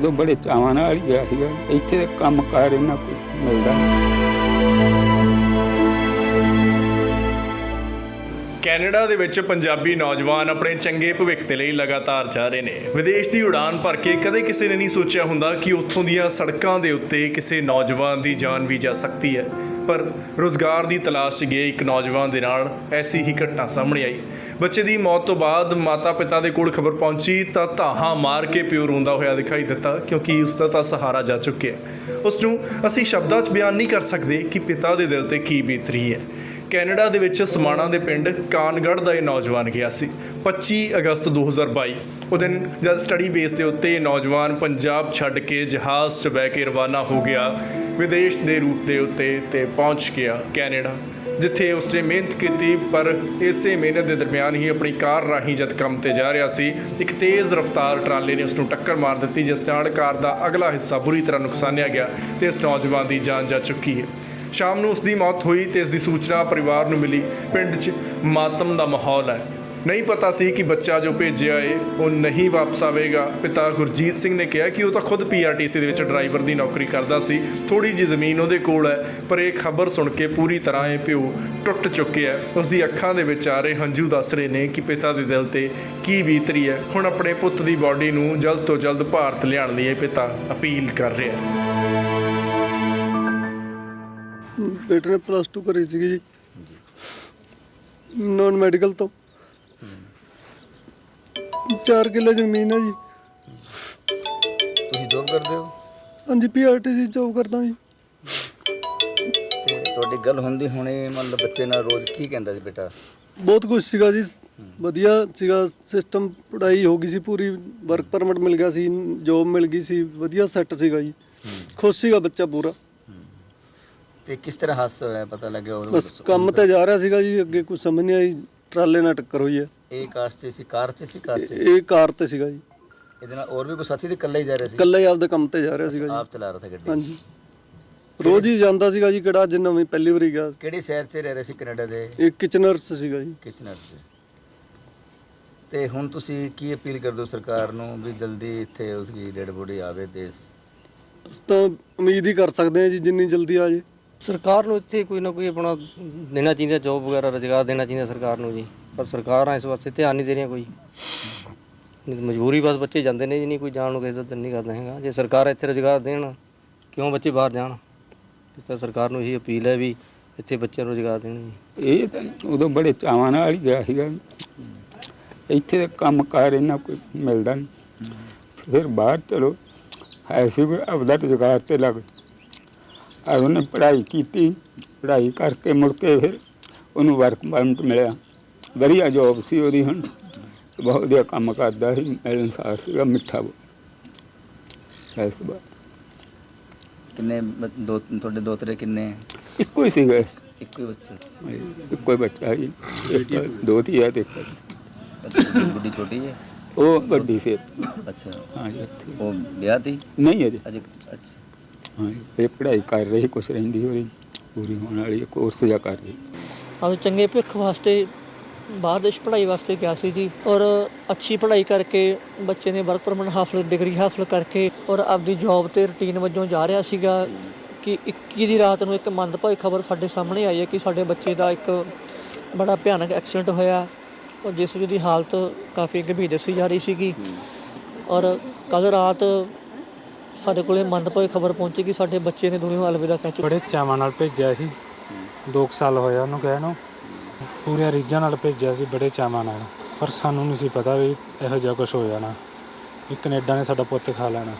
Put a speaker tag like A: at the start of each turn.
A: ਉਦੋਂ ਬੜੇ ਚਾਵਾਂ ਨਾਲ ਹੀ ਗਿਆ ਸੀਗਾ। ਇੱਥੇ ਕੰਮ ਕਾਰ ਇਹਨਾਂ ਕੋਈ ਮਿਲਦਾ ਨਹੀਂ।
B: ਕੈਨੇਡਾ ਦੇ ਵਿੱਚ ਪੰਜਾਬੀ ਨੌਜਵਾਨ ਆਪਣੇ ਚੰਗੇ ਭਵਿੱਖ ਦੇ ਲਈ ਲਗਾਤਾਰ ਜਾ ਰਹੇ ਨੇ। ਵਿਦੇਸ਼ ਦੀ ਉਡਾਨ ਭਰ ਕੇ ਕਦੇ ਕਿਸੇ ਨੇ ਨਹੀਂ ਸੋਚਿਆ ਹੁੰਦਾ ਕਿ ਉੱਥੋਂ ਦੀਆਂ ਸੜਕਾਂ ਦੇ ਉੱਤੇ ਕਿਸੇ ਨੌਜਵਾਨ ਦੀ ਜਾਨ ਵੀ ਜਾ ਸਕਦੀ ਹੈ। ਪਰ ਰੁਜ਼ਗਾਰ ਦੀ ਤਲਾਸ਼ 'ਚ ਗਏ ਇੱਕ ਨੌਜਵਾਨ ਦੇ ਨਾਲ ਐਸੀ ਹੀ ਘਟਨਾ ਸਾਹਮਣੇ ਆਈ। ਬੱਚੇ ਦੀ ਮੌਤ ਤੋਂ ਬਾਅਦ ਮਾਤਾ ਪਿਤਾ ਦੇ ਕੋਲ ਖਬਰ ਪਹੁੰਚੀ ਤਾਂ ਧਾਹਾਂ ਮਾਰ ਕੇ ਪਿਓ ਰੋਂਦਾ ਹੋਇਆ ਦਿਖਾਈ ਦਿੱਤਾ, ਕਿਉਂਕਿ ਉਸ ਦਾ ਤਾਂ ਸਹਾਰਾ ਜਾ ਚੁੱਕਿਆ। ਉਸ ਨੂੰ ਅਸੀਂ ਸ਼ਬਦਾਂ 'ਚ ਬਿਆਨ ਨਹੀਂ ਕਰ ਸਕਦੇ ਕਿ ਪਿਤਾ ਦੇ ਦਿਲ 'ਤੇ ਕੀ ਬੀਤ ਰਹੀ ਹੈ। ਕੈਨੇਡਾ ਦੇ ਵਿੱਚ ਸਮਾਣਾ ਦੇ ਪਿੰਡ ਕਾਨਗੜ੍ਹ ਦਾ ਇਹ ਨੌਜਵਾਨ ਗਿਆ ਸੀ 25 ਅਗਸਤ 2022। ਉਹ ਦਿਨ ਜਦ ਸਟੱਡੀ ਬੇਸ ਦੇ ਉੱਤੇ ਨੌਜਵਾਨ ਪੰਜਾਬ ਛੱਡ ਕੇ ਜਹਾਜ਼ 'ਚ ਬਹਿ ਕੇ ਰਵਾਨਾ ਹੋ ਗਿਆ ਵਿਦੇਸ਼ ਦੇ ਰੂਟ ਦੇ ਉੱਤੇ ਤੇ ਪਹੁੰਚ ਗਿਆ ਕੈਨੇਡਾ, ਜਿੱਥੇ ਉਸਨੇ ਮਿਹਨਤ ਕੀਤੀ। ਪਰ ਇਸੇ ਮਿਹਨਤ ਦੇ ਦਰਮਿਆਨ ਹੀ ਆਪਣੀ ਕਾਰ ਰਾਹੀਂ ਜਦ ਕੰਮ ਤੇ ਜਾ ਰਿਹਾ ਸੀ, ਇੱਕ ਤੇਜ਼ ਰਫ਼ਤਾਰ ਟਰਾਲੇ ਨੇ ਉਸਨੂੰ ਟੱਕਰ ਮਾਰ ਦਿੱਤੀ, ਜਿਸ ਨਾਲ ਕਾਰ ਦਾ ਅਗਲਾ ਹਿੱਸਾ ਬੁਰੀ ਤਰ੍ਹਾਂ ਨੁਕਸਾਨਿਆ ਗਿਆ ਤੇ ਇਸ ਨੌਜਵਾਨ ਦੀ ਜਾਨ ਜਾ ਚੁੱਕੀ ਹੈ। ਸ਼ਾਮ ਨੂੰ ਉਸ ਦੀ ਮੌਤ ਹੋਈ ਤੇ ਇਸ ਦੀ ਸੂਚਨਾ ਪਰਿਵਾਰ ਨੂੰ ਮਿਲੀ। ਪਿੰਡ 'ਚ ਮਾਤਮ ਦਾ ਮਾਹੌਲ ਹੈ। ਨਹੀਂ ਪਤਾ ਸੀ ਕਿ ਬੱਚਾ ਜੋ ਭੇਜਿਆ ਏ ਉਹ ਨਹੀਂ ਵਾਪਸ ਆਵੇਗਾ। ਪਿਤਾ ਗੁਰਜੀਤ ਸਿੰਘ ਨੇ ਕਿਹਾ ਕਿ ਉਹ ਤਾਂ ਖੁਦ PRTC ਦੇ ਵਿੱਚ ਡਰਾਈਵਰ ਦੀ ਨੌਕਰੀ ਕਰਦਾ ਸੀ, ਥੋੜ੍ਹੀ ਜਿਹੀ ਜ਼ਮੀਨ ਉਹਦੇ ਕੋਲ ਹੈ। ਪਰ ਇਹ ਖਬਰ ਸੁਣ ਕੇ ਪੂਰੀ ਤਰ੍ਹਾਂ ਇਹ ਪਿਓ ਟੁੱਟ ਚੁੱਕਿਆ। ਉਸ ਦੀ ਅੱਖਾਂ ਦੇ ਵਿੱਚ ਆ ਰਹੇ ਹੰਝੂ ਦੱਸ ਰਹੇ ਨੇ ਕਿ ਪਿਤਾ ਦੇ ਦਿਲ 'ਤੇ ਕੀ ਬੀਤ ਰਹੀ ਹੈ। ਹੁਣ ਆਪਣੇ ਪੁੱਤ ਦੀ ਬਾਡੀ ਨੂੰ ਜਲਦ ਤੋਂ ਜਲਦ ਭਾਰਤ ਲਿਆਉਣ ਲਈ ਇਹ ਪਿਤਾ ਅਪੀਲ ਕਰ ਰਿਹਾ।
C: ਬੇਟੇ ਨੇ +2 ਕਰੀ ਸੀਗੀ ਜੀ ਨੌਨ ਮੈਡੀਕਲ ਤੋਂ। 4 ਕਿੱਲੇ ਜ਼ਮੀਨ ਹੈ ਜੀ।
D: ਤੁਸੀਂ ਜੋਬ ਕਰਦੇ ਹੋ?
C: ਹਾਂਜੀ, PRTC ਜੋਬ ਕਰਦਾ ਜੀ।
D: ਤੇ ਤੁਹਾਡੀ ਗੱਲ ਹੁੰਦੀ ਹੁਣੇ ਮਤਲਬ ਬੱਚੇ ਨਾਲ ਰੋਜ਼ ਕੀ ਕਹਿੰਦਾ ਸੀ ਬੇਟਾ?
C: ਬਹੁਤ ਕੁਛ ਸੀਗਾ ਜੀ, ਵਧੀਆ ਸੀਗਾ ਸਿਸਟਮ। ਪੜ੍ਹਾਈ ਹੋ ਗਈ ਸੀ ਪੂਰੀ, ਵਰਕ ਪਰਮਿਟ ਮਿਲ ਗਿਆ ਸੀ, ਜੋਬ ਮਿਲ ਗਈ ਸੀ, ਵਧੀਆ ਸੈੱਟ ਸੀਗਾ ਜੀ। ਖੁਸ਼ ਸੀਗਾ ਬੱਚਾ ਪੂਰਾ।
D: ਤੇ ਕਿਸ ਤਰ੍ਹਾਂ ਹਾਦਸਾ ਹੋਇਆ ਪਤਾ ਲੱਗਿਆ?
C: ਬਸ ਕੰਮ ਤੇ ਜਾ ਰਿਹਾ ਸੀਗਾ ਜੀ, ਅੱਗੇ ਕੁਝ ਸਮਝ ਨਹੀਂ ਆਈ, ਟਰਾਲੇ ਨਾਲ ਟੱਕਰ ਹੋਈ ਹੈ।
D: ਇਹ ਕਾਰ 'ਚ ਸੀ? ਕਾਰ 'ਚ ਸੀ? ਕਾਰ 'ਚ?
C: ਇਹ ਕਾਰ ਤੇ ਸੀਗਾ ਜੀ।
D: ਇਹਦੇ ਨਾਲ ਹੋਰ ਵੀ ਕੋਈ ਸਾਥੀ ਤੇ ਇਕੱਲਾ ਹੀ ਜਾ ਰਿਹਾ ਸੀ?
C: ਇਕੱਲਾ ਹੀ ਆਪਦੇ ਕੰਮ ਤੇ ਜਾ ਰਿਹਾ ਸੀਗਾ ਜੀ।
D: ਆਪ ਚਲਾ ਰਿਹਾ ਸੀ ਗੱਡੀ?
C: ਹਾਂਜੀ, ਰੋਜ਼ ਹੀ ਜਾਂਦਾ ਸੀਗਾ ਜੀ। ਕਿਹੜਾ ਜਿੰਨਾ ਵੀ ਪਹਿਲੀ ਵਾਰੀ ਗਿਆ।
D: ਕਿਹੜੇ ਸ਼ਹਿਰ 'ਚ ਰਹਿ ਰਹੇ ਸੀ ਕੈਨੇਡਾ ਦੇ?
C: ਇਹ ਕਿਚਨਰਸ ਸੀਗਾ ਜੀ।
D: ਕਿਚਨਰ 'ਚ। ਤੇ ਹੁਣ ਤੁਸੀਂ ਕੀ ਅਪੀਲ ਕਰਦੇ ਹੋ ਸਰਕਾਰ ਨੂੰ ਵੀ ਜਲਦੀ ਇੱਥੇ ਉਸਦੀ ਡੈਡ ਬੋਡੀ ਆਵੇ ਦੇਸ਼?
C: ਅਸੀਂ ਤਾਂ ਉਮੀਦ ਹੀ ਕਰ ਸਕਦੇ ਹਾਂ ਜੀ ਜਿੰਨੀ ਜਲਦੀ ਆ ਜੇ।
E: ਸਰਕਾਰ ਨੂੰ ਇੱਥੇ ਕੋਈ ਨਾ ਕੋਈ ਆਪਣਾ ਦੇਣਾ ਚਾਹੀਦਾ, ਜੋਬ ਵਗੈਰਾ ਰੁਜ਼ਗਾਰ ਦੇਣਾ ਚਾਹੀਦਾ ਸਰਕਾਰ ਨੂੰ ਜੀ। ਪਰ ਸਰਕਾਰਾਂ ਇਸ ਵਾਸਤੇ ਧਿਆਨ ਨਹੀਂ ਦੇ ਰਹੀਆਂ ਕੋਈ। ਮਜਬੂਰੀ ਬਸ ਬੱਚੇ ਜਾਂਦੇ ਨੇ ਜੀ, ਨਹੀਂ ਕੋਈ ਜਾਣ ਨੂੰ ਕਿਸੇ ਦਾ ਦਿਲ ਨਹੀਂ ਕਰਦਾ ਹੈਗਾ। ਜੇ ਸਰਕਾਰ ਇੱਥੇ ਰੁਜ਼ਗਾਰ ਦੇਣ, ਕਿਉਂ ਬੱਚੇ ਬਾਹਰ ਜਾਣ? ਇਸ ਤਾਂ ਸਰਕਾਰ ਨੂੰ ਇਹੀ ਅਪੀਲ ਹੈ ਵੀ ਇੱਥੇ ਬੱਚਿਆਂ ਨੂੰ ਰੁਜ਼ਗਾਰ ਦੇਣ ਜੀ।
A: ਇਹ ਤਾਂ ਉਦੋਂ ਬੜੇ ਚਾਵਾਂ ਨਾਲ ਹੀ ਗਿਆ ਸੀਗਾ। ਇੱਥੇ ਕੰਮ ਕਾਰ ਇਹਨਾਂ ਕੋਈ ਮਿਲਦਾ ਨਹੀਂ। ਫਿਰ ਬਾਹਰ ਚਲੋ ਹੈ ਸੀ ਕੋਈ ਆਪਦਾ ਰੁਜ਼ਗਾਰ ਤੇ ਲੱਗ। ਉਹਨੇ ਪੜ੍ਹਾਈ ਕੀਤੀ, ਪੜ੍ਹਾਈ ਕਰਕੇ ਮੁੜ ਕੇ ਫਿਰ ਉਹਨੂੰ ਵਰਕ ਪਰਮਿਟ ਮਿਲਿਆ, ਵਧੀਆ ਜੋਬ ਸੀ ਉਹਦੀ। ਹੁਣ ਬਹੁਤ ਵਧੀਆ ਕੰਮ ਕਰਦਾ ਸੀ, ਮਿਲਣਸਾਰ ਸੀਗਾ, ਮਿੱਠਾ ਇਸ ਵਾਰ।
D: ਕਿੰਨੇ ਤੁਹਾਡੇ ਦੋਤਰੇ ਕਿੰਨੇ?
A: ਇੱਕੋ ਹੀ ਸੀਗਾ।
D: ਇੱਕੋ ਹੀ ਬੱਚਾ?
A: ਇੱਕੋ ਹੀ ਬੱਚਾ ਸੀ, ਦੋ ਧੀ ਹੈ ਤੇ
D: ਗੁੱਡੀ ਛੋਟੀ ਹੈ?
A: ਉਹ ਵੱਡੀ ਸੀ।
D: ਅੱਛਾ।
A: ਹਾਂਜੀ।
D: ਉਹ ਵਿਆਹ ਤੀ?
A: ਨਹੀਂ ਅਜੇ।
D: ਅੱਛਾ।
A: ਹਾਂ, ਇਹ ਪੜ੍ਹਾਈ ਕਰ ਰਹੀ, ਕੁਛ ਰਹਿੰਦੀ ਉਹਦੀ ਪੂਰੀ ਹੋਣ ਵਾਲੀ, ਕੋਰਸ ਜਿਹਾ ਕਰ ਰਹੀ।
F: ਆਪਦੇ ਚੰਗੇ ਭਵਿੱਖ ਵਾਸਤੇ ਬਾਹਰ ਦੇਸ਼ ਪੜ੍ਹਾਈ ਵਾਸਤੇ ਗਿਆ ਸੀ ਜੀ। ਔਰ ਅੱਛੀ ਪੜ੍ਹਾਈ ਕਰਕੇ ਬੱਚੇ ਨੇ ਵਰਕ ਪਰਮਿਟ ਹਾਸਲ, ਡਿਗਰੀ ਹਾਸਲ ਕਰਕੇ ਔਰ ਆਪਦੀ ਜੋਬ 'ਤੇ ਰੂਟੀਨ ਵਜੋਂ ਜਾ ਰਿਹਾ ਸੀਗਾ ਕਿ 21 ਦੀ ਰਾਤ ਨੂੰ ਇੱਕ ਮੰਦਭਾਗੀ ਖਬਰ ਸਾਡੇ ਸਾਹਮਣੇ ਆਈ ਹੈ ਕਿ ਸਾਡੇ ਬੱਚੇ ਦਾ ਇੱਕ ਬੜਾ ਭਿਆਨਕ ਐਕਸੀਡੈਂਟ ਹੋਇਆ ਔਰ ਜਿਸ ਵਿੱਚ ਦੀ ਹਾਲਤ ਕਾਫੀ ਗੰਭੀਰ ਦੱਸੀ ਜਾ ਰਹੀ ਸੀਗੀ। ਔਰ ਕੱਲ੍ਹ ਰਾਤ ਸਾਡੇ ਕੋਲ ਮੰਦਭਾਗੀ ਖਬਰ ਪਹੁੰਚੀ ਕਿ ਸਾਡੇ ਬੱਚੇ ਨੇ ਦੁਨੀਆ ਨੂੰ ਅਲਵਿਦਾ ਕਹਿ ਚੁੱਕੇ।
G: ਬੜੇ ਚਾਵਾਂ ਨਾਲ ਭੇਜਿਆ ਸੀ, 2 ਸਾਲ ਹੋਇਆ ਉਹਨੂੰ ਗਏ ਨੂੰ। ਪੂਰੇ ਰੀਝਾਂ ਨਾਲ ਭੇਜਿਆ ਸੀ, ਬੜੇ ਚਾਵਾਂ ਨਾਲ। ਪਰ ਸਾਨੂੰ ਨਹੀਂ ਸੀ ਪਤਾ ਵੀ ਇਹੋ ਜਿਹਾ ਕੁਛ ਹੋ ਜਾਣਾ, ਵੀ ਕੈਨੇਡਾ ਨੇ ਸਾਡਾ ਪੁੱਤ ਖਾ ਲੈਣਾ।